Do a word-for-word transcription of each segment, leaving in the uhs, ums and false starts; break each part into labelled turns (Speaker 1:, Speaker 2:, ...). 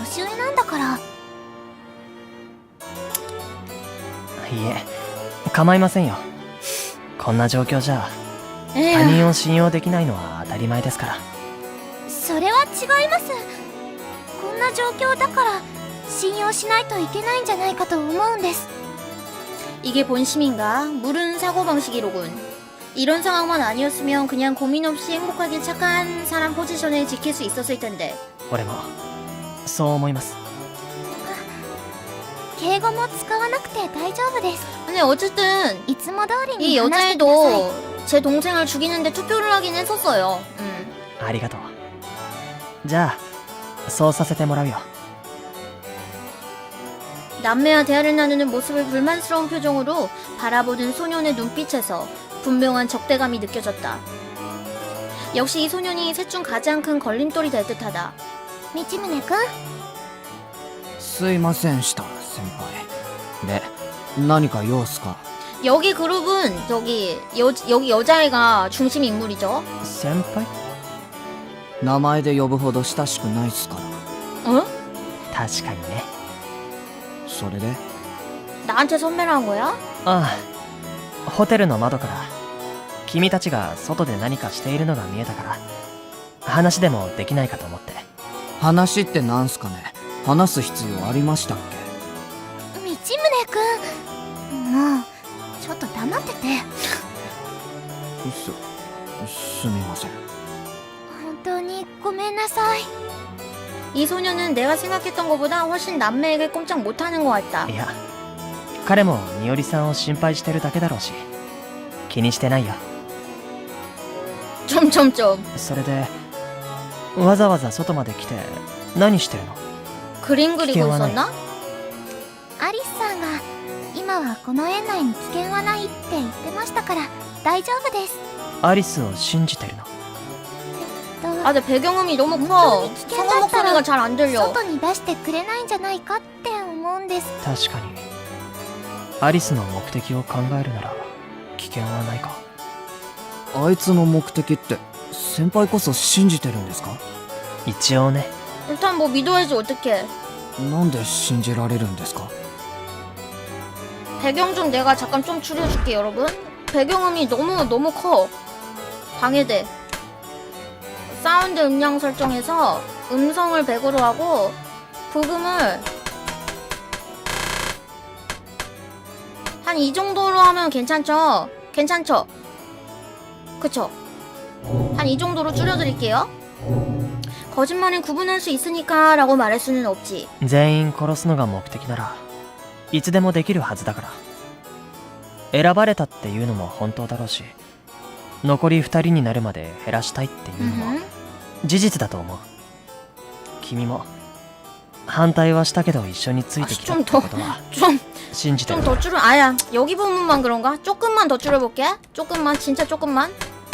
Speaker 1: 年上なんだから。
Speaker 2: いえ、構いませんよ。こんな状況じゃ
Speaker 1: ええ、
Speaker 2: 他人を信用できないのは当たり前ですから。
Speaker 1: それは違います。こんな状況だから信用しないといけないんじゃないかと思うんです。
Speaker 3: 이게 본심인가? 물은 사고방식이로군. 이런 상황만 아니었으면 그냥 고민 없이 행복하게 착한 사람 포지션을 지킬 수 있었을 텐데.
Speaker 2: 俺もそう思います。
Speaker 1: 敬語も使わなくて大丈夫です。
Speaker 3: 근데 어쨌든
Speaker 1: いつも通り
Speaker 3: 이
Speaker 1: に話してください。
Speaker 3: 여자애도 제 동생을 죽이는데 투표를 하긴 했었어요. 음.
Speaker 2: ありがとう。じゃあそうさせてもらうよ。
Speaker 3: 남매와 대화를 나누는 모습을 불만스러운 표정으로 바라보는 소년의 눈빛에서 분명한 적대감이 느껴졌다. 역시 이 소년이 셋 중 가장 큰 걸림돌이 될 듯하다.
Speaker 1: 道宗くん、
Speaker 4: すいませんした先輩で何か用っすか？
Speaker 3: 여기 그룹은 저기 여, 여기 여자애가 중심 인물이죠.
Speaker 2: 先輩？
Speaker 4: 名前で呼ぶほど親しくないっすから。
Speaker 3: 어?
Speaker 2: 確かにね。
Speaker 4: それで
Speaker 3: 나한테 선배라는 거야?
Speaker 2: ああ、ホテルの窓から君たちが外で何かしているのが見えたから話でもできないかと思って。
Speaker 4: 話ってなんすかね？話す必要ありましたっ
Speaker 1: 道宗くん、もうちょっと黙ってて。
Speaker 4: け？すすみません。
Speaker 1: 本当にごめんなさい。
Speaker 3: 이 소년은 내가 생각했던 것보다 훨씬 남매에게 꼼짝 못하는 것 같다.
Speaker 2: いや、彼もみおりさんを心配してるだけだろうし気にしてないよ。
Speaker 3: 점점점.
Speaker 2: それでわざわざ外まで来て何してるの？
Speaker 3: 그림 그리고 있었나?
Speaker 1: アリスさんが今はこの園内に危険はないって言ってましたから大丈夫です。
Speaker 2: アリスを信じてるの？
Speaker 3: 아, 근데 배경음이 너무 커. 성우 목소리가 잘 안 들려.
Speaker 1: 外に出してくれないんじゃないかって思うんです。
Speaker 2: 確かにアリスの目的を考えるなら危険はないか。
Speaker 4: あいつの目的って先輩こそ信じてるんですか？
Speaker 2: 一応ね。
Speaker 3: 일단 뭐 믿어야지 어떡해.
Speaker 4: なんで信じられるんですか？
Speaker 3: 배경 좀 내가 잠깐 좀 줄여줄게 여러분. 배경음이 너무 너무 커. 방해돼. 사운드 음량 설정에서 음성을 백으로 하고 부금을 한 이 정도로 하면 괜찮죠? 괜찮죠? 그쵸? 한 이 정도로 줄여드릴게요. 거짓말은 구분할 수 있으니까 라고 말할 수는 없지.
Speaker 2: 全員殺すのが目的ならいつでもできるはずだから。選ばれたっていうのも本当だろうし残りふたりになるまで減らしたいっていうのも事実だと思う。君も反対はしたけど一緒についてきたってことは
Speaker 3: 좀
Speaker 2: 信じてる。
Speaker 3: 좀 더 줄여. 아야, 여기 부분만 그런가? 조금만 더 줄여볼게. 조금만, 진짜 조금만.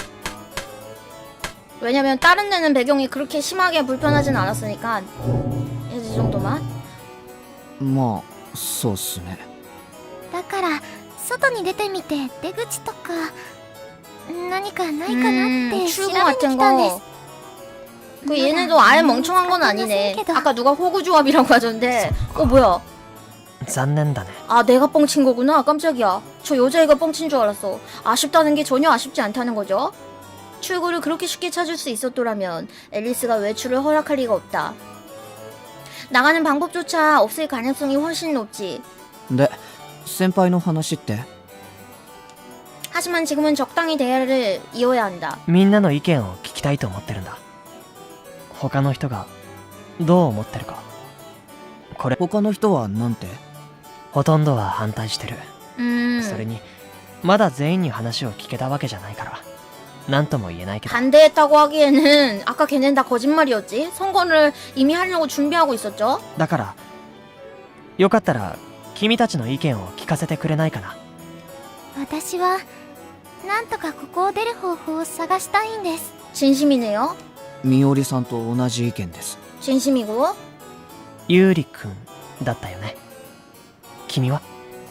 Speaker 3: 왜냐면 다른 데는 배경이 그렇게 심하게 불편하진 않았으니까 이 정도만.
Speaker 4: まあそうっすね。
Speaker 1: だから外に出てみて出口とか何かないかなって調
Speaker 3: 출구
Speaker 1: べに
Speaker 3: 같은
Speaker 1: 来たんで
Speaker 3: 거.
Speaker 1: す。
Speaker 3: 그 얘네도 아예 멍청한 건 아니네. 아까 누가 호구 조합이라고 하던데. 어 뭐야?
Speaker 2: 残念だね。
Speaker 3: 아 내가 뻥친 거구나. 깜짝이야. 저 여자애가 뻥친 줄 알았어. 아쉽다는 게 전혀 아쉽지 않다는 거죠. 출구를 그렇게 쉽게 찾을 수 있었더라면 앨리스가 외출을 허락할 리가 없다. 나가는 방법조차 없을 가능성이 훨씬 높지.
Speaker 4: で先輩の話って？
Speaker 3: 하지만 지금은 적당히 대화를 이어야 한다.
Speaker 2: みんなの意見を聞きたいと思ってるんだ。他の人がどう思ってるか。これ
Speaker 4: 他の人はなんて？
Speaker 2: ほとんどは反対してる。
Speaker 3: 음,
Speaker 2: それにまだ全員に話を聞けたわけじゃないから何とも言えないけど。
Speaker 3: 반대했다고 하기에는 아까 걔네는 다 거짓말이었지. 선거를 이미 하려고 준비하고 있었죠.
Speaker 2: だからよかったら君たちの意見を聞かせてくれないかな。
Speaker 1: 私はなんとかここを出る方法を探したいんです。
Speaker 3: 진심이네요.
Speaker 4: みおりさんと同じ意見です。
Speaker 3: 진심이고.
Speaker 2: ゆうりくんだったよね。君は？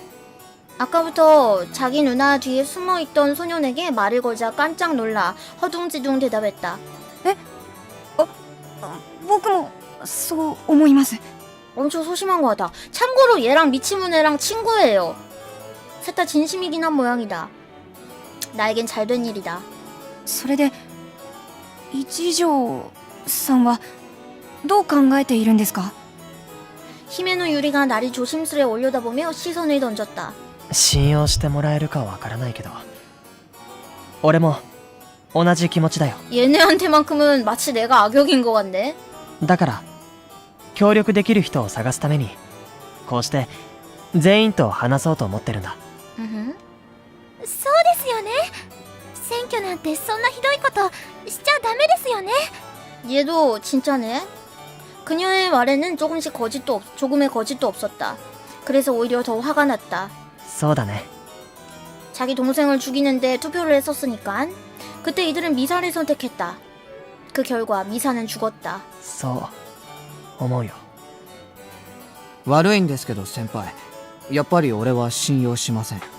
Speaker 3: 아까부터 자기 누나 뒤에 숨어있던 소년에게 말을 걸자 깜짝 놀라 허둥지둥 대답했다.
Speaker 1: 僕も
Speaker 5: そう思います。
Speaker 3: 엄청 소심한 것 같아. 참고로 얘랑 미치무네랑 친구예요. 셋 다 진심이긴 한 모양이다. 나에겐 잘된 일이다.
Speaker 5: それで一条さんはどう考えているんですか？
Speaker 3: 히메노 유리가 나를 조심스레 올려다보며 시선을 던졌다.
Speaker 2: 信用してもらえるかわからないけど俺も同じ気持ちだよ。
Speaker 3: 얘네한테만큼은 마치 내가 악역인 것 같네.
Speaker 2: だから協力できる人を探すためにこうして全員と話そうと思ってるんだ。
Speaker 3: 으흠.
Speaker 1: そうですよね。選挙なんてそんなひどいことしちゃダメですよね。
Speaker 3: 얘도 진짜네. 그녀의 말에는 조금씩 거짓도 없, 조금의 거짓도 없었다. 그래서 오히려 더 화가 났다.
Speaker 2: そうだね。
Speaker 3: 자기 동생을 죽이는데 투표를 했었으니까. 그때 이들은 미사를 선택했다. 그 결과 미사는 죽었다.
Speaker 2: そう思うよ。
Speaker 4: 悪いんですけど先輩、やっぱり俺は信用しません。
Speaker 1: 道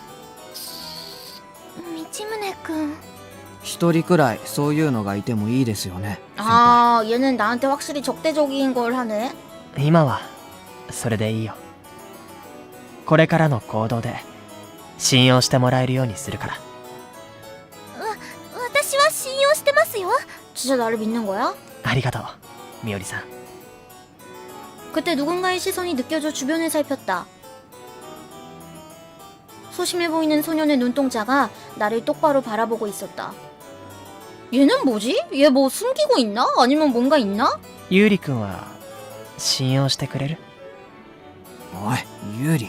Speaker 1: 宗くん。
Speaker 4: 一人くらいそういうのがいてもいいですよね、先輩。
Speaker 3: 아, 얘는 나한테 확실히 적대적인 걸 하네.
Speaker 2: 今はそれでいいよ。これからの行動で信用してもらえるようにするから。
Speaker 1: 私は信用してますよ。
Speaker 3: 진짜 나를 믿는 거야?
Speaker 2: ありがとうみおりさん。
Speaker 3: 그때 누군가의 시선이 느껴져 주변을 살폈다. 소심해 보이는 소년의 눈동자가 나를 똑바로 바라보고 있었다. 얘는 뭐지? 얘 뭐 숨기고 있나? 아니면 뭔가 있나?
Speaker 2: ゆうりくんは信用してくれる？
Speaker 4: おい、ユーリ。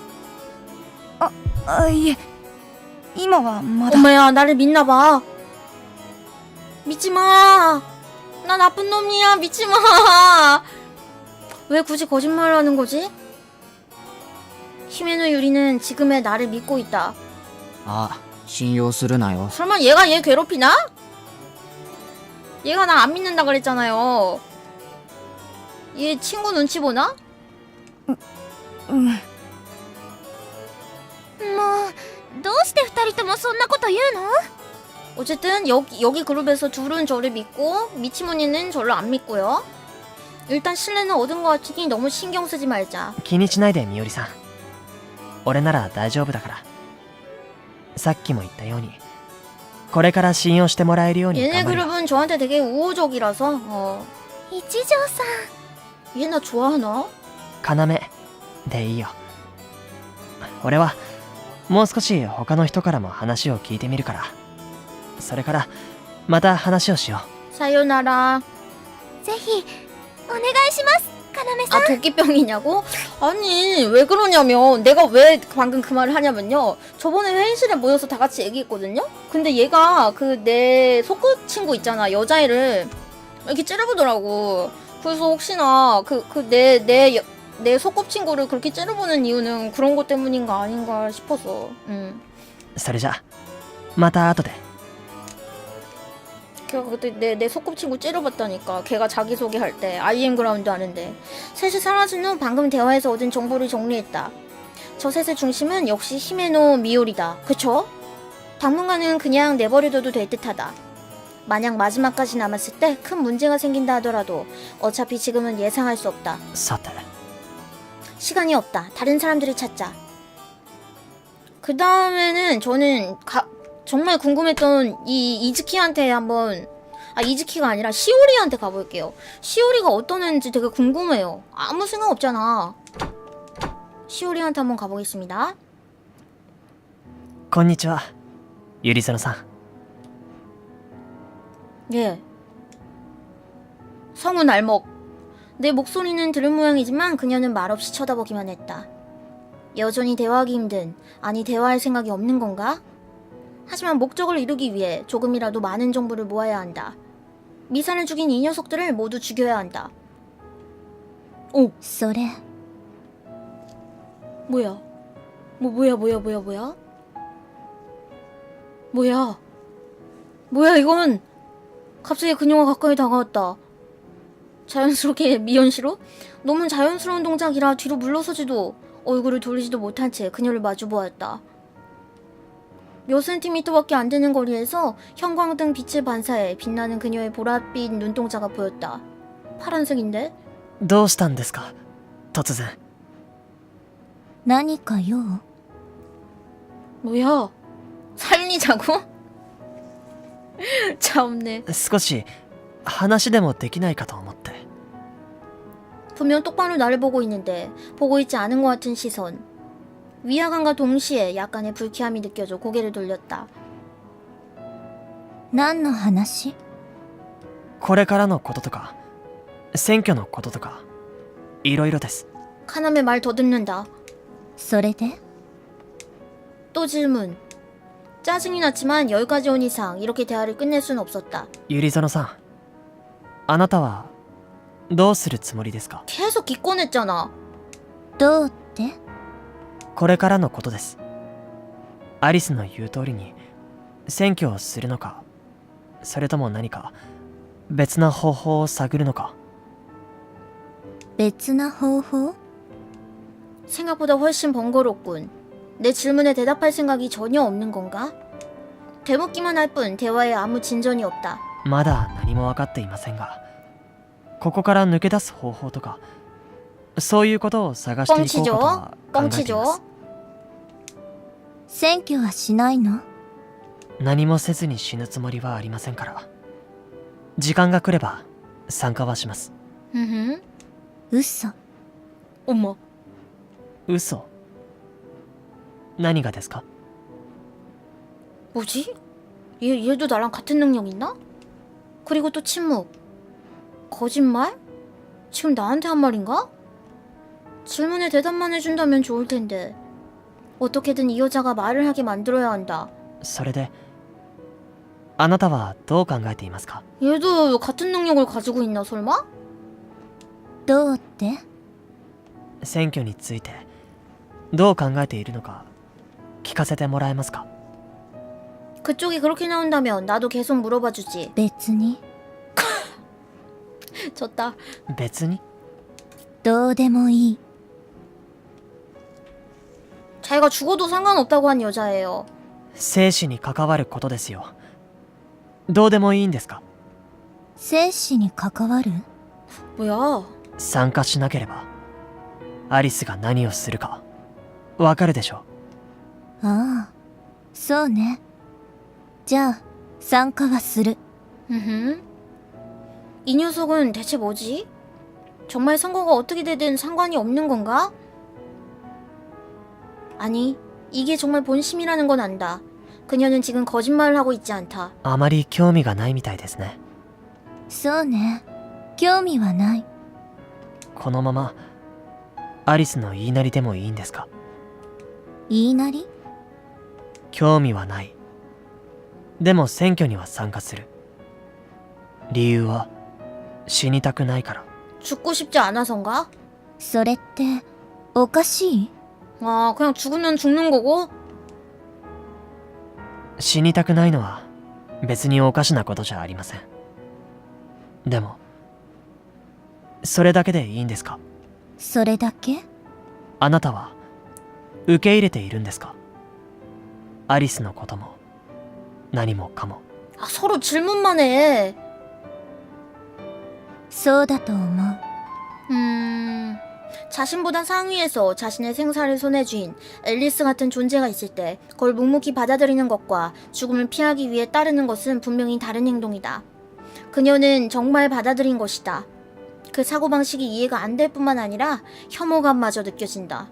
Speaker 5: あ、いえ、今はまだ。
Speaker 3: 엄마야, 나를 믿나봐. 믿지마. 나 나쁜 놈이야. 믿지마. 왜 굳이 거짓말을 하는 거지? 히메노 유리는 지금의 나를 믿고 있다.
Speaker 4: あ、信用するなよ。
Speaker 3: 설마 얘가 얘 괴롭히나? 얘가 나 안 믿는다 그랬잖아요. 얘 친구 눈치 보나?
Speaker 5: うん。
Speaker 1: もうどうして二人ともそんなこと言うの？
Speaker 3: 어쨌든 여기 여기 그룹에서 둘은 저를 믿고 미치모니는 저를 안 믿고요. 일단 신뢰는 얻은 것 같으니 너무 신경 쓰지 말자.
Speaker 2: 気にしないでみおりさん。俺なら大丈夫だから。さっきも言ったようにこれから信用してもらえるように
Speaker 3: 얘네
Speaker 2: 頑張るよ。
Speaker 3: 그룹은 저한테 되게 우호적이라서 어.
Speaker 1: 一条さん。
Speaker 3: 얘 나 좋아하나?
Speaker 2: 要でいいよ。俺はもう少し他の人からも話を聞いてみるから。それからまた話をしよ
Speaker 3: 사요나라.
Speaker 1: ぜひお願いします、要さん。
Speaker 3: 아 도끼병이냐고? 아니 왜 그러냐면 내가 왜 방금 그 말을 하냐면요. 저번에 회의실에 모여서 다 같이 얘기했거든요. 근데 얘가 그 내 소꿉친구 있잖아, 여자애를 이렇게 째려보더라고. 그래서 혹시나 그 그 내 내 내 소꿉친구를 그렇게 째려보는 이유는 그런 것 때문인가 아닌가 싶어서. 음.
Speaker 2: う。それじゃまた後で。
Speaker 3: 걔가 그때 내, 내 소꿉친구 째려봤다니까. 걔가 자기소개할 때 아이엠 그라운드 하는데. 셋이 사라진 후 방금 대화에서 얻은 정보를 정리했다. 저 셋의 중심은 역시 히메노 미오리다. 그쵸? 당분간은 그냥 내버려둬도 될 듯하다. 만약 마지막까지 남았을 때 큰 문제가 생긴다 하더라도 어차피 지금은 예상할 수 없다.
Speaker 2: さて
Speaker 3: 시간이 없다. 다른 사람들을 찾자. 그 다음에는 저는 가, 정말 궁금했던 이 이즈키한테 한번, 아 이즈키가 아니라 시오리한테 가볼게요. 시오리가 어떤 애인지 되게 궁금해요. 아무 생각 없잖아. 시오리한테 한번 가보겠습니다.
Speaker 2: こんにちはゆりそのさん。
Speaker 3: 예. 성은 알먹. 내 목소리는 들은 모양이지만 그녀는 말없이 쳐다보기만 했다. 여전히 대화하기 힘든, 아니 대화할 생각이 없는 건가? 하지만 목적을 이루기 위해 조금이라도 많은 정보를 모아야 한다. 미사를 죽인 이 녀석들을 모두 죽여야 한다. 오,
Speaker 1: それ
Speaker 3: 뭐야? 뭐 뭐야 뭐야 뭐야 뭐야? 뭐야? 뭐야 이건? 갑자기 그녀가 가까이 다가왔다. 자연스럽게 미연시로? 너무 자연스러운 동작이라 뒤로 물러서지도 얼굴을 돌리지도 못한 채 그녀를 마주보았다. 몇 센티미터밖에 안 되는 거리에서 형광등 빛을 반사해 빛나는 그녀의 보랏빛 눈동자가 보였다. 파란색인데?
Speaker 2: どうしたんですか突然。
Speaker 1: 何か用？
Speaker 3: 뭐야? 살리자고? 참네.
Speaker 2: 少し話でもできないかと思って。
Speaker 3: 분명 똑바로 나를 보고 있는데 보고 있지 않은 것 같은 시선. 위화감과 동시에 약간의 불쾌함이 느껴져 고개를 돌렸다.
Speaker 1: 何の話？
Speaker 2: これからのこととか選挙のこととかいろいろです。
Speaker 3: 카남의 말 더듬는다.
Speaker 1: それで？
Speaker 3: 또 질문. 짜증이 났지만 여기까지 온 이상 이렇게 대화를 끝낼 수는 없었다.
Speaker 2: ゆりぞのさん、あなたはどうするつもりですか？
Speaker 3: 계속 기권했잖아.
Speaker 1: どうって？
Speaker 2: これからのことです。アリスの言う通りに選挙をするのか、それとも何か別な方法を探るのか。
Speaker 1: 別な方法？
Speaker 3: 생각보다 훨씬 번거롭군. 내 질문에 대답할 생각이 전혀 없는 건가? 되묻기만 할 뿐 대화에 아무 진전이 없다.
Speaker 2: まだ何も分かっていませんが、ここから抜け出す方法とか、そういうことを探していこうかとは考えています。
Speaker 1: 選挙はしないの？
Speaker 2: 何もせずに死ぬつもりはありませんから。時間が来れば参加はします。
Speaker 3: 으흠.
Speaker 1: 嘘。
Speaker 3: 어머.
Speaker 2: 嘘？何がですか？
Speaker 3: 뭐지? 얘, 얘도 나랑 같은 능력 있나? 그리고 또 침묵. 거짓말? 지금 나한테 한 말인가? 질문에 대답만 해준다면 좋을 텐데. 어떻게든 이 여자가 말을 하게 만들어야 한다.
Speaker 2: それであなたはどう考えていますか？
Speaker 3: 얘도 같은 능력을 가지고 있나 설마?
Speaker 1: どうって？
Speaker 2: 選挙についてどう考えているのか聞かせてもらえますか？
Speaker 3: 그쪽이 그렇게 나온다면 나도 계속 물어봐주지.
Speaker 1: 別に。
Speaker 3: 졌다.
Speaker 2: 別に？
Speaker 1: どうでもいい。
Speaker 3: 자기가 죽어도 상관없다고 한 여자예요.
Speaker 2: 生死に関わることですよ。どうでもいいんですか？
Speaker 1: 生死に関わる？
Speaker 3: 뭐야?
Speaker 2: 参加しなければアリスが何をするかわかるでしょ？
Speaker 1: ああ、そうね。じゃあ参加はする。
Speaker 3: 으흠. 이 녀석은 대체 뭐지? 정말 선거가 어떻게 되든 상관이 없는 건가? 아니, 이게 정말 본심이라는 건 안다. 그녀는 지금 거짓말을 하고 있지 않다.
Speaker 2: あまり興味がないみたいですね。
Speaker 1: そうね。興味はない。
Speaker 2: このままアリスの言いなりでもいいんですか？
Speaker 1: 言いなり？
Speaker 2: 興味はない。でも選挙には参加する。理由は死にたくないから。
Speaker 3: 죽고 싶지 않아서인가?
Speaker 1: それっておかしい？
Speaker 3: 아, 그냥 죽으면 죽는 거고?
Speaker 2: 死にたくないのは別におかしなことじゃありません。でもそれだけでいいんですか？
Speaker 1: それだけ？
Speaker 2: あなたは受け入れているんですか？アリスのことも何もかも。
Speaker 3: 아, 서로 질문만 해.
Speaker 1: そうだと思う。
Speaker 3: 음... 자신보다 상위에서 자신의 생사를 손에 쥔 앨리스 같은 존재가 있을 때 그걸 묵묵히 받아들이는 것과 죽음을 피하기 위해 따르는 것은 분명히 다른 행동이다. 그녀는 정말 받아들인 것이다. 그 사고방식이 이해가 안 될 뿐만 아니라 혐오감마저 느껴진다.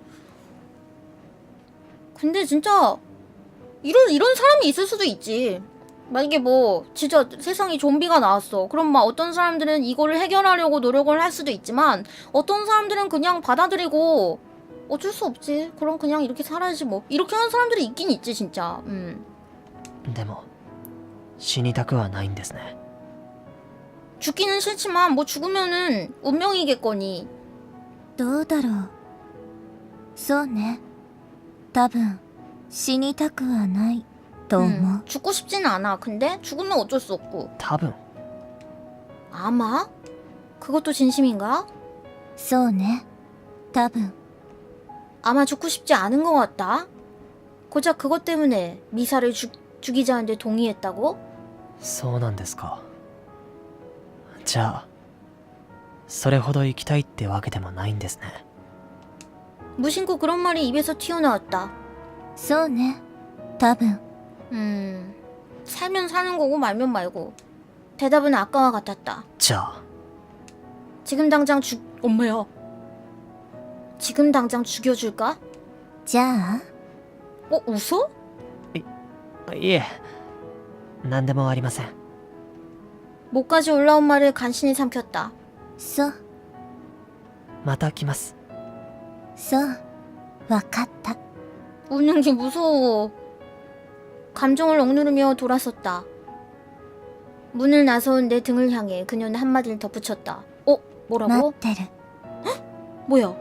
Speaker 3: 근데 진짜 이런 이런 사람이 있을 수도 있지. 만약에 뭐 진짜 세상에 좀비가 나왔어. 그럼 막 어떤 사람들은 이거를 해결하려고 노력을 할 수도 있지만 어떤 사람들은 그냥 받아들이고 어쩔 수 없지. 그럼 그냥 이렇게 살아야지 뭐. 이렇게 하는 사람들이 있긴 있지 진짜. 음.
Speaker 2: でも死にたくはないんですね。
Speaker 3: 죽기는 싫지만 뭐 죽으면은 운명이겠거니.
Speaker 1: どうだろう。そうね。多分死にたくはないと思う。
Speaker 3: 음, 죽고 싶지는 않아. 근데 죽으면 어쩔 수 없고.
Speaker 2: 多分
Speaker 3: 아마? 그것도 진심인가?
Speaker 1: そうね。多分。
Speaker 3: 아마 죽고 싶지 않은 것 같다. 고작 그것 때문에 미사를 죽, 죽이자는데 동의했다고?
Speaker 2: そうなんですか。じゃあそれほど行きたいってわけでもないんですね。
Speaker 3: 무심코 그런 말이 입에서 튀어나왔다.
Speaker 1: そうね、多分。
Speaker 3: 음, 살면 사는 거고 말면 말고. 대답은 아까와 같았다.
Speaker 2: じゃあ
Speaker 3: 지금 당장 죽... 엄마야. 지금 당장 죽여줄까?
Speaker 1: じゃあ
Speaker 3: 어? 웃어?
Speaker 2: いえ何でもありません。
Speaker 3: 목까지 올라온 말을 간신히 삼켰다.
Speaker 1: そう、
Speaker 2: また来ます。
Speaker 1: そう、わかった。
Speaker 3: 웃는 게 무서워. 감정을 억누르며 돌아섰다. 문을 나서온 내 등을 향해 그녀는 한마디를 덧붙였다. 어?
Speaker 1: 待
Speaker 3: 뭐라고?
Speaker 1: ってる。
Speaker 3: 뭐야?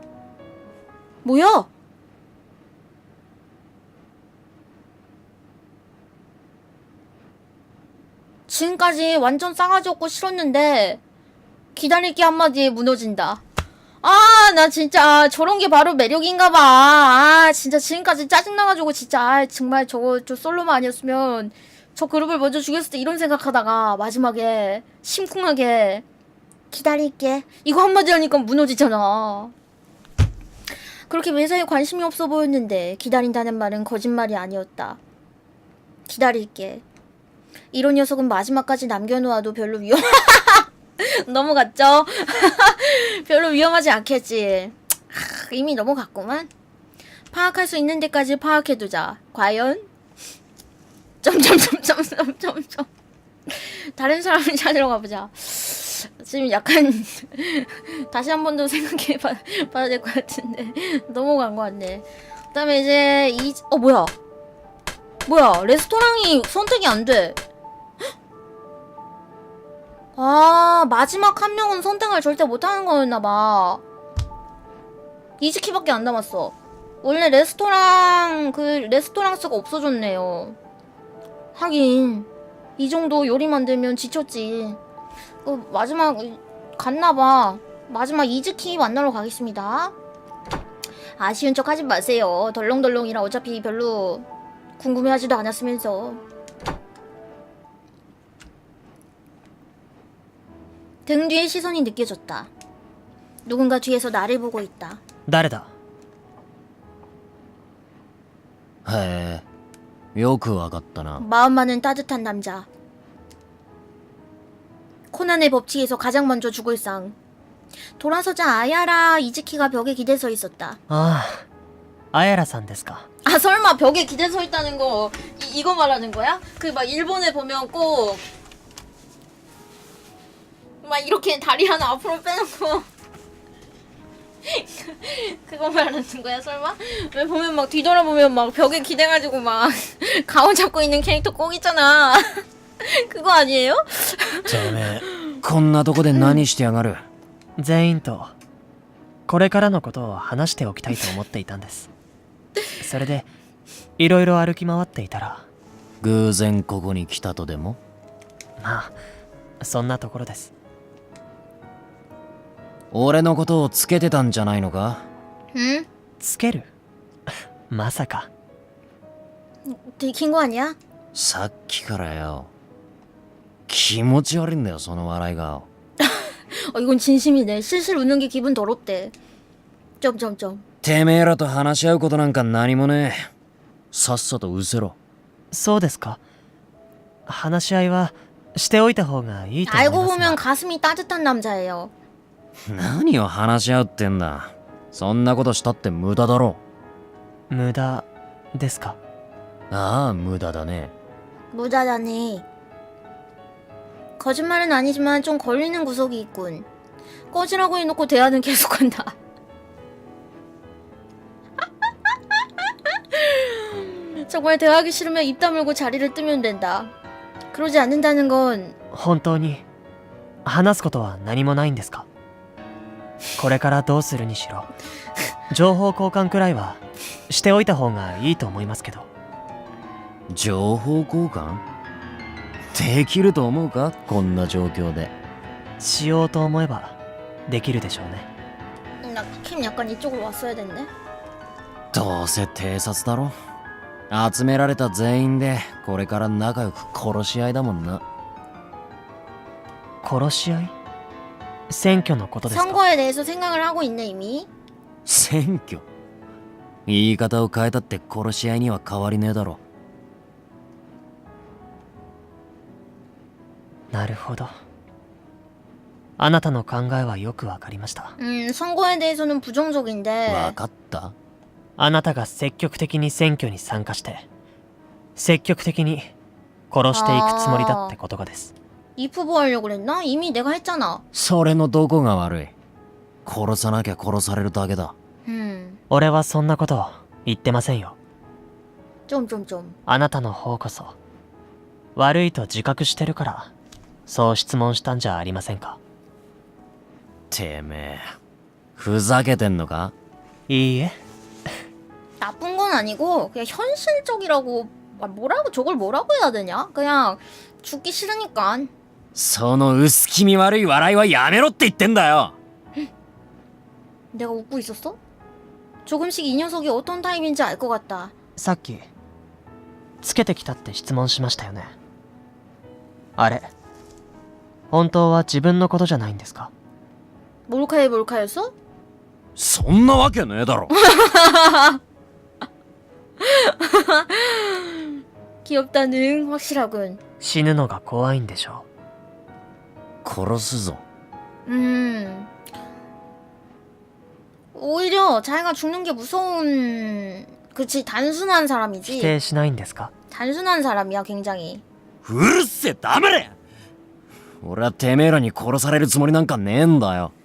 Speaker 3: 뭐야? 지금까지 완전 싸가지 없고 싫었는데 기다릴게 한마디에 무너진다. 아, 나 진짜 저런 게 바로 매력인가 봐. 아, 진짜 지금까지 짜증나가지고 진짜 아, 정말 저거 저 솔로만 아니었으면 저 그룹을 먼저 죽였을 때 이런 생각하다가 마지막에 심쿵하게 기다릴게 이거 한마디 하니까 무너지잖아. 그렇게 매사에 관심이 없어 보였는데 기다린다는 말은 거짓말이 아니었다. 기다릴게. 이런 녀석은 마지막까지 남겨놓아도 별로 위험... 넘어갔죠? 별로 위험하지 않겠지. 하, 이미 넘어갔구만. 파악할 수 있는 데까지 파악해두자. 과연? 점점점점점점점. 다른 사람을 찾으러 가보자. 지금 약간 다시 한 번 더 생각해 봐, 봐야 될 것 같은데 넘어간 것 같네. 그 다음에 이제 이... 어 뭐야 뭐야 레스토랑이 선택이 안 돼. 아 마지막 한 명은 선택을 절대 못하는 거였나봐. 이즈키밖에 안 남았어. 원래 레스토랑 그 레스토랑 수가 없어졌네요. 하긴 이 정도 요리 만들면 지쳤지. 어, 마지막 갔나봐. 마지막 이즈키 만나러 가겠습니다. 아쉬운 척 하지 마세요. 덜렁덜렁이라 어차피 별로 궁금해하지도 않았으면서. 등 뒤에 시선이 느껴졌다. 누군가 뒤에서 나를 보고 있다.
Speaker 2: 誰だ。
Speaker 4: へえ、よくわかったな。
Speaker 3: 마음 많은 따뜻한 남자. 코난의 법칙에서 가장 먼저 죽을 상. 돌아서자 아야라 이즈키가 벽에 기대 서 있었다.
Speaker 2: ああ、アヤラさんですか。
Speaker 3: 아 설마 벽에 기대 서 있다는 거 이, 이거 말하는 거야? 그 막 일본에 보면 꼭 막 이렇게 다리 하나 앞으로 빼놓고 그거 말하는 거야 설마? 왜 보면 막 뒤돌아보면 막 벽에 기대가지고 막 가운 잡고 있는 캐릭터 꼭 있잖아. 그거 아니에요?
Speaker 4: てめえ、こんなとこで何してやがる。
Speaker 2: 全員とこれからのことを話しておきたいと思っていたんです。それでいろいろ歩き回っていたら
Speaker 4: 偶然ここに来たとでも。
Speaker 2: まあそんなところです。
Speaker 4: 俺のことをつけてたんじゃないのか。
Speaker 3: 응?
Speaker 2: つけるまさか。
Speaker 3: 들킨 거 아니야?
Speaker 4: さっきからよ。気持ち悪いんだよその笑い顔。
Speaker 3: 어 이건 진심이네. 실실 웃는 게 기분 더럽대. 점점점.
Speaker 4: てめえらと話し合うことなんか何もねえ。さっさと失せろ。
Speaker 2: そうですか。話し合いはしておいた方がいいと思い
Speaker 3: 알고
Speaker 2: ます
Speaker 3: 보면
Speaker 2: が。
Speaker 3: 가슴이 따뜻한 남자예요.
Speaker 4: 何を話し合うってんだ。そんなことしたって無駄だろ。
Speaker 2: 無駄ですか。
Speaker 4: ああ無駄だね。
Speaker 3: 무다다네. 거짓말은 아니지만 좀 걸리는 구석이 있군. 꺼지라고 해놓고 대화는 계속한다. 정말 대화하기 싫으면 입 다물고 자리를 뜨면 된다. 그러지 않는다는 건
Speaker 2: 本当に話すことは何もないんですか。これからどうするにしろ情報交換くらいはしておいた方がいいと思いますけど。
Speaker 4: 情報交換できると思うかこんな状況で。
Speaker 2: しようと思えばできるでしょうね。
Speaker 3: 나 캠 약간 이쪽으로 왔어야 됐네.
Speaker 4: どうせ偵察だろ。集められた全員でこれから仲良く殺し合いだもんな。
Speaker 2: 殺し合い。 選挙のことですか？
Speaker 3: 선거에 대해서 생각을 하고 있네 이미.
Speaker 4: 選挙言い方を変えたって殺し合いには変わりねえだろ。
Speaker 2: なるほど。あなたの考えはよくわかりました。
Speaker 3: 음 선거에 대해서는 부정적인데.
Speaker 4: わかった？
Speaker 2: あなたが積極的に選挙に参加して積極的に殺していくつもりだってことがです。
Speaker 3: 이프보 하려고 그랬나? 이미 내가 했잖아.
Speaker 4: それのどこが悪い？殺さなきゃ殺されるだけだ。
Speaker 3: 음.
Speaker 2: 俺はそんなこと言ってませんよ。
Speaker 3: 좀 좀 좀.
Speaker 2: あなたの方こそ悪いと自覚してるからそう質問したんじゃありませんか？
Speaker 4: てめえふざけてんのか？
Speaker 2: いいえ。
Speaker 3: 나쁜 건 아니고 그냥 현실적이라고 아, 뭐라고 저걸 뭐라고 해야 되냐? 그냥 죽기 싫으니까.
Speaker 4: その薄気味悪い笑いはやめろって言ってんだよ。
Speaker 3: 내가 웃고 있었어? 조금씩 이 녀석이 어떤 타입인지 알 것 같다.
Speaker 2: さっきつけてきたって質問しましたよね。あれ本当は自分のことじゃないんですか？
Speaker 3: 몰카에 몰카였어?
Speaker 4: そんなわけねえだろ。
Speaker 3: 귀엽다는 확실하군.
Speaker 2: 死ぬのが怖いんでしょ
Speaker 4: 殺すぞ。
Speaker 3: 음. 오히려 자기가 죽는 게 무서운 그치 단순한
Speaker 2: う。否
Speaker 3: 사람이지.
Speaker 2: 定しないんですか？
Speaker 3: 단순한 사람이야 굉장히.
Speaker 4: うるせえ黙れ。俺はてめえらに殺されるつもりなんかねえんだよ。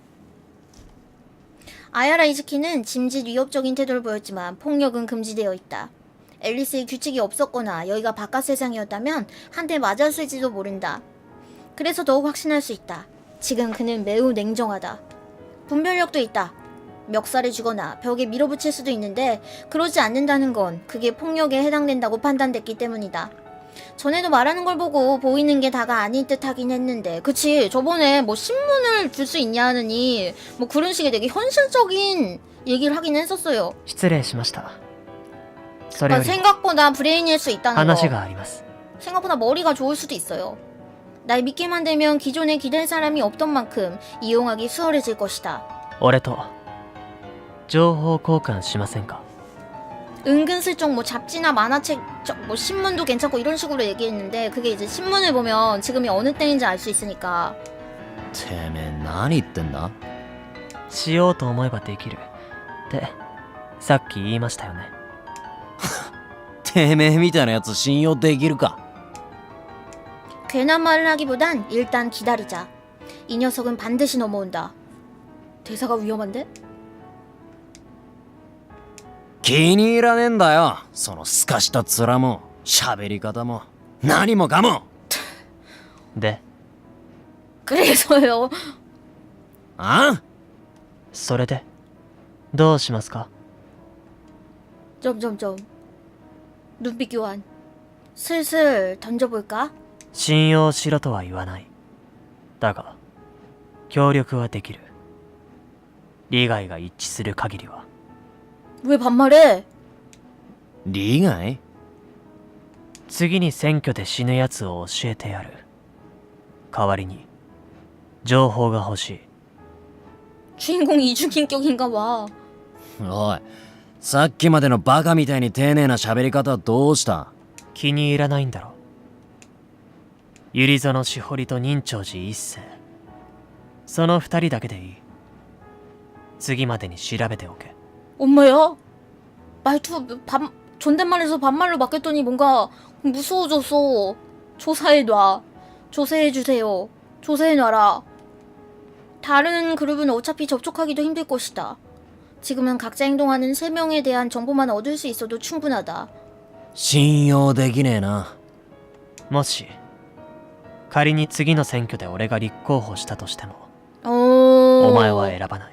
Speaker 3: 아야라 이즈키는 짐짓 위협적인 태도를 보였지만 폭력은 금지되어 있다. 앨리스의 규칙이 없었거나 여기가 바깥 세상이었다면 한 대 맞았을지도 모른다. 그래서 더욱 확신할 수 있다. 지금 그는 매우 냉정하다. 분별력도 있다. 멱살을 쥐거나 벽에 밀어붙일 수도 있는데 그러지 않는다는 건 그게 폭력에 해당된다고 판단됐기 때문이다. 전에도 말하는 걸 보고 보이는 게 다가 아닌 듯 하긴 했는데 그치 저번에 뭐 신문을 줄 수 있냐느니 뭐 그런 식의 되게 현실적인 얘기를 하긴 했었어요.
Speaker 2: 失礼しました。それ
Speaker 3: 아,
Speaker 2: より
Speaker 3: 생각보다 브레인일 수 있다는
Speaker 2: 話
Speaker 3: 거.
Speaker 2: があります。
Speaker 3: 생각보다 머리가 좋을 수도 있어요. 날 믿게만 되면 기존에 기댈 사람이 없던 만큼 이용하기 수월해질 것이다.
Speaker 2: 俺と情報交換しませんか？
Speaker 3: 은근슬쩍 뭐 잡지나 만화책, 저, 뭐 신문도 괜찮고 이런 식으로 얘기했는데 그게 이제 신문을 보면 지금이 어느 때인지 알 수 있으니까.
Speaker 4: てめえ何言ってんだ？
Speaker 2: しようと思えばできるってさっき言いましたよね。
Speaker 4: てめえみたいなやつ信用できるか？
Speaker 3: 괜한 말을 하기보단 일단 기다리자. 이 녀석은 반드시 넘어온다. 대사가 위험한데?
Speaker 4: 気に入らねえんだよ。そのすかした面も喋り方も何もかも。
Speaker 2: で
Speaker 3: 그래서요.
Speaker 4: あ？
Speaker 2: それでどうしますか？
Speaker 3: 점점점. 눈빛 교환. 슬슬 던져볼까?
Speaker 2: 信用しろとは言わない。だが協力はできる。利害が一致する限りは。
Speaker 3: 왜 반말해?
Speaker 4: 利害？
Speaker 2: 次に選挙で死ぬやつを教えてやる。代わりに情報が欲しい。
Speaker 3: 주인공 이중인격인가 봐.
Speaker 4: おい、さっきまでのバカみたいに丁寧な喋り方はどうした？
Speaker 2: 気に入らないんだろ。百合園しほりと任長寺一世、その二人だけでいい。次までに調べておけ。
Speaker 3: 엄마야? 말투 반 존댓말에서 반말로 바뀌었더니 뭔가 무서워졌어. 조사해놔. 조사해주세요. 조사해놔라. 다른 그룹은 어차피 접촉하기도 힘들 것이다. 지금은 각자 행동하는 세 명에 대한 정보만 얻을 수 있어도 충분하다.
Speaker 4: 信用できねえな。
Speaker 2: もし仮に次の選挙で俺が立候補したとしても
Speaker 3: 어...
Speaker 2: お前は選ばない。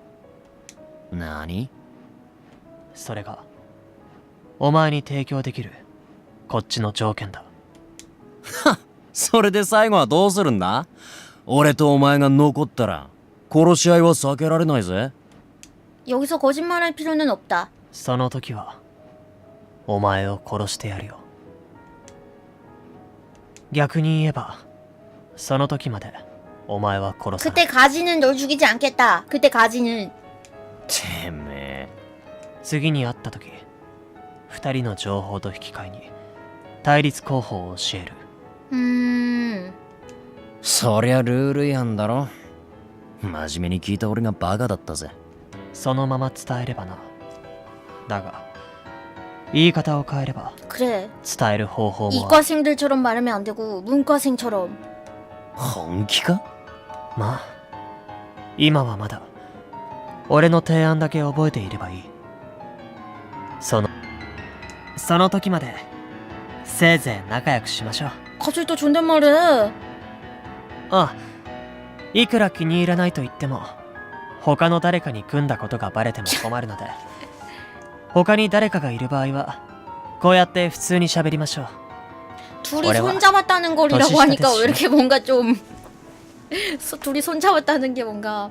Speaker 4: 何？
Speaker 2: それがお前に提供できるこっちの条件だ。
Speaker 4: それで最後はどうするんだ？俺とお前が残ったら殺し合いは避けられないぜ。
Speaker 3: 여기서 거짓말할 필요는 없다.
Speaker 2: その時はお前を殺してやるよ。逆に言えばその時までお前は殺さない
Speaker 3: 그때 가지는 널 죽이지 않겠다. 그때 가지는.
Speaker 4: てめえ
Speaker 2: 次に会った時二人の情報と引き換えに対立候補を教える
Speaker 3: 음.
Speaker 4: そりゃルール違反だろ。真面目に聞いた俺がバカだったぜ。
Speaker 2: そのまま伝えればな。だが言い方を変えれば
Speaker 3: 그래.
Speaker 2: 伝える方法もある
Speaker 3: 이과생들처럼 말하면 안 되고 문과생처럼.
Speaker 4: 本気か？
Speaker 2: まあ今はまだ俺の提案だけ覚えていればいい。そのその時までせいぜい仲良くしましょう。
Speaker 3: 갑자기 또 존댓말해.
Speaker 2: ああ、いくら気に入らないと言っても他の誰かに組んだことがバレても困るので他に誰かがいる場合はこうやって普通に喋りましょう。
Speaker 3: 둘이
Speaker 2: 올해와
Speaker 3: 손잡았다는 거리라고
Speaker 2: 더
Speaker 3: 하니까 왜
Speaker 2: 시시하겠지.
Speaker 3: 이렇게 뭔가 좀 소- 둘이 손잡았다는 게 뭔가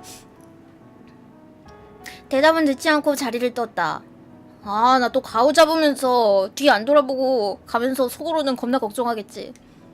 Speaker 3: 대답은 듣지 않고 자리를 떴다. 아, 나 또 가오 잡으면서 뒤 안 돌아보고 가면서 속으로는 겁나 걱정하겠지.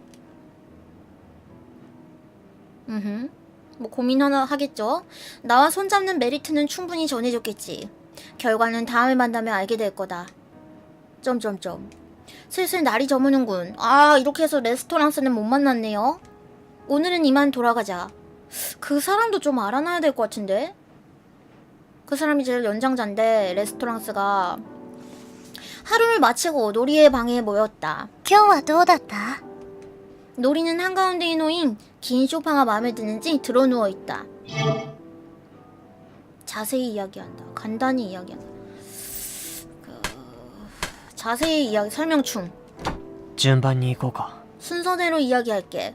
Speaker 3: 음, 뭐 고민 하나 하겠죠. 나와 손잡는 메리트는 충분히 전해줬겠지. 결과는 다음에 만나면 알게 될 거다. 점점점. 슬슬 날이 저무는군. 아, 이렇게 해서 레스토랑스는 못 만났네요. 오늘은 이만 돌아가자. 그 사람도 좀 알아놔야 될 것 같은데? 그 사람이 제일 연장자인데 레스토랑스가 하루를 마치고 노리의 방에 모였다.
Speaker 1: 今日はどうだった？
Speaker 3: 노리는 한가운데에 놓인 긴 소파가 마음에 드는지 드러누워 있다. 자세히 이야기한다. 간단히 이야기한다. 그... 자세히 이야기 설명충.
Speaker 2: 順番に行こうか。
Speaker 3: 순서대로 이야기할게.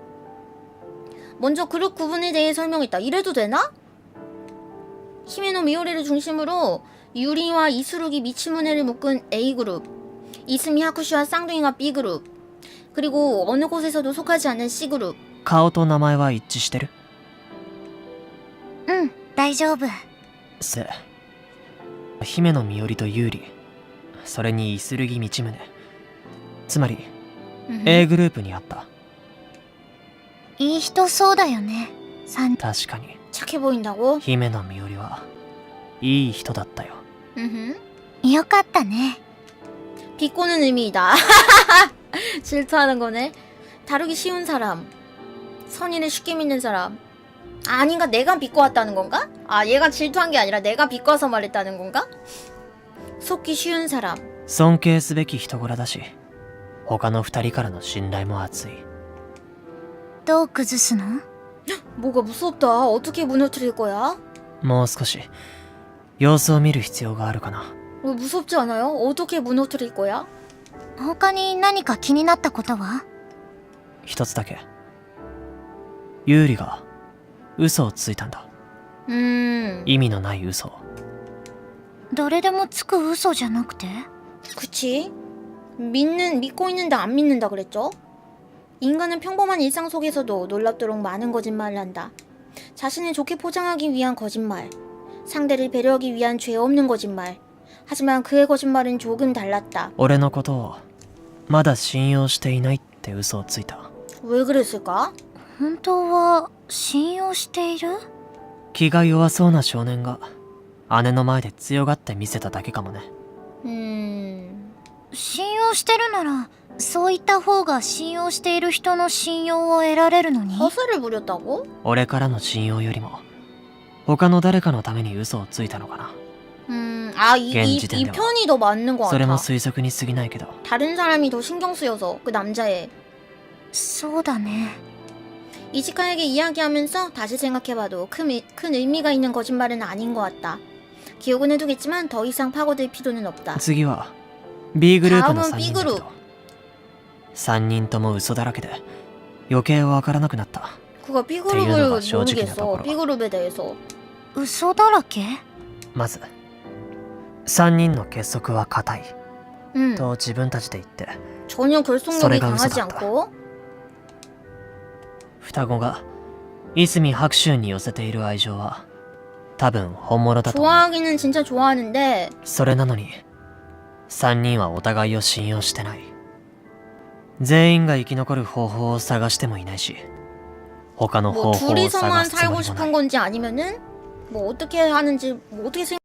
Speaker 3: 먼저 그룹 구분에 대해 설명했다. 이래도 되나? 히메노 미오리를 중심으로 유리와 이수룩이 미치무네를 묶은 A그룹, 이스미 하쿠시와 쌍둥이가 B그룹, 그리고 어느 곳에서도 속하지 않는 C그룹.
Speaker 2: 顔と名前は一致してる？
Speaker 1: うん、大丈夫。
Speaker 2: せ姫野美織と優里、それにイスルギ道宗、つまり A グループにあった。
Speaker 1: いい人そうだよね。三
Speaker 2: 確かに
Speaker 3: 착해 보인다고?
Speaker 2: 姫野美織はいい人だったよ。
Speaker 3: 음흠.
Speaker 1: よかったね。
Speaker 3: 비꼬는 의미이다. 질투하는 거네. 다루기 쉬운 사람. 선의를 쉽게 믿는 사람. 아, 아닌가? 내가 비꼬았다는 건가? 아, 얘가 질투한 게 아니라 내가 비꼬아서 말했다는 건가? 속기 쉬운 사람.
Speaker 2: 尊敬すべき人柄だし、他の二人からの信頼も厚い。
Speaker 1: どう崩すの？
Speaker 3: 뭐가 무섭다. 어떻게 무너뜨릴 거야?
Speaker 2: もう少し様子を見る必要があるかな。
Speaker 3: 왜 무섭지 않아요? 어떻게 무너뜨릴 거야?
Speaker 1: 他に何か気になったことは？
Speaker 2: 一つだけ。優里が嘘をついたんだ。
Speaker 3: 음,
Speaker 2: 意味のない嘘を。
Speaker 1: 誰でもつく嘘じゃなくて？
Speaker 3: 그치? 믿는, 믿고 있는데 안 믿는다 그랬죠? 인간은 평범한 일상 속에서도 놀랍도록 많은 거짓말을 한다. 자신을 좋게 포장하기 위한 거짓말, 상대를 배려하기 위한 죄 없는 거짓말. 하지만 그의 거짓말은 조금 달랐다.
Speaker 2: 俺のことをまだ信用していないって嘘をついた。
Speaker 3: 왜 그랬을까?
Speaker 1: 本当は信用している？
Speaker 2: 気が弱そうな少年が姉の前で強がって見せただけかもね。
Speaker 3: 음...
Speaker 1: 信用してるならそういった方が信用している人の信用を得られるのに。
Speaker 3: 허세를 부렸다고?
Speaker 2: 俺からの信用よりも他の誰かのために嘘をついたのかな。
Speaker 3: 음... 아, 이, 이, 이
Speaker 2: 겐지된다.
Speaker 3: 편이 더 맞는 것
Speaker 2: それも
Speaker 3: 같아.
Speaker 2: 推測に過ぎないけど。
Speaker 3: 다른 사람이 더 신경 쓰여서 그 남자애.
Speaker 1: そうだね。
Speaker 3: 이지카에게 이야기하면서 다시 생각해봐도 큰, 의, 큰 의미가 있는 거짓말은 아닌 것 같다. 기억은 해두겠지만 더 이상 파고들 필요는 없다.
Speaker 2: 次は B グループの
Speaker 3: 다음은
Speaker 2: さん
Speaker 3: B
Speaker 2: にんだけ
Speaker 3: 그룹.
Speaker 2: どさんにんとも嘘だらけで余計わからなくなった。
Speaker 3: 그거 B
Speaker 2: っていうの
Speaker 3: 그룹을
Speaker 2: が正直なところ。
Speaker 3: 모르겠어. B 그룹에 대해서.
Speaker 1: 嘘だらけ？
Speaker 2: まずさんにんの結束は固い
Speaker 3: 음.
Speaker 2: と自分たちで言って、
Speaker 3: 전혀 결속력이
Speaker 2: 소리가
Speaker 3: 강하지
Speaker 2: 웃어갔다.
Speaker 3: 않고
Speaker 2: 双子がいすみ白秋に寄せている愛情は多分本物だと思う。
Speaker 3: 좋아하기는 진짜 좋아하는데
Speaker 2: それなのにさんにんはお互いを信用してない。全員が生き残る方法を探してもいないし、 他の
Speaker 3: 뭐
Speaker 2: 方法を探
Speaker 3: 둘이서만
Speaker 2: すつも
Speaker 3: 살고
Speaker 2: りもな
Speaker 3: 싶은
Speaker 2: い。
Speaker 3: 건지 아니면은 뭐 어떻게 하는지 뭐 어떻게 생